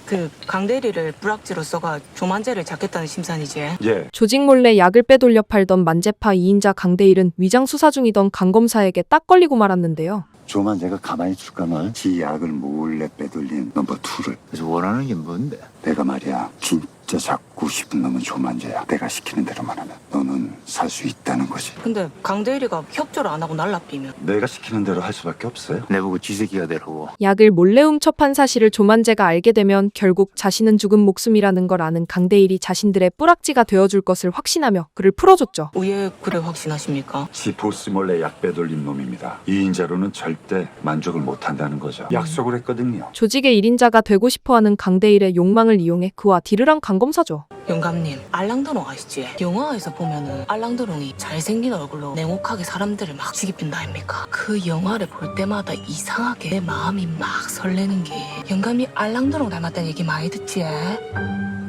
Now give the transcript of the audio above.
그 강대리를 불악지로 써가 조만재를 잡겠다는 심산이지. 예. 조직 몰래 약을 빼돌려 팔던 만재파 2인자 강대일은 위장 수사 중이던 강 검사에게 딱 걸리고 말았는데요. 조만재가 가만히 줄까말 지 약을 몰래 빼돌린 넘버 2를. 그래서 원하는 게 뭔데? 내가 말이야 진짜 잡고 싶은 놈은 조만재야. 내가 시키는 대로만 하면 너는 살 수 있다는 거지. 근데 강대리가 협조를 안 하고 날라삐면 내가 시키는 대로 할 수밖에 없어요. 내보고 쥐새끼가 되라고. 약을 몰래 훔쳐판 사실을 조만재가 알게 되면 결국 자신은 죽은 목숨이라는 걸 아는 강대일이 자신들의 뿌락지가 되어줄 것을 확신하며 그를 풀어줬죠. 왜 그래 확신하십니까? 지 보스 몰래 약 빼돌린 놈입니다. 2인자로는 절대 만족을 못한다는 거죠. 약속을 했거든요. 조직의 1인자가 되고 싶어하는 강대일의 욕망을 이용해 그와 딜을 한 강검사죠. 영감님, 알랑드롱 아시지? 영화에서 보면은 알랑드롱이 잘생긴 얼굴로 냉혹하게 사람들을 막 죽이빈다 아닙니까? 그 영화를 볼 때마다 이상하게 내 마음이 막 설레는 게 영감이 알랑드롱 닮았다는 얘기 많이 듣지?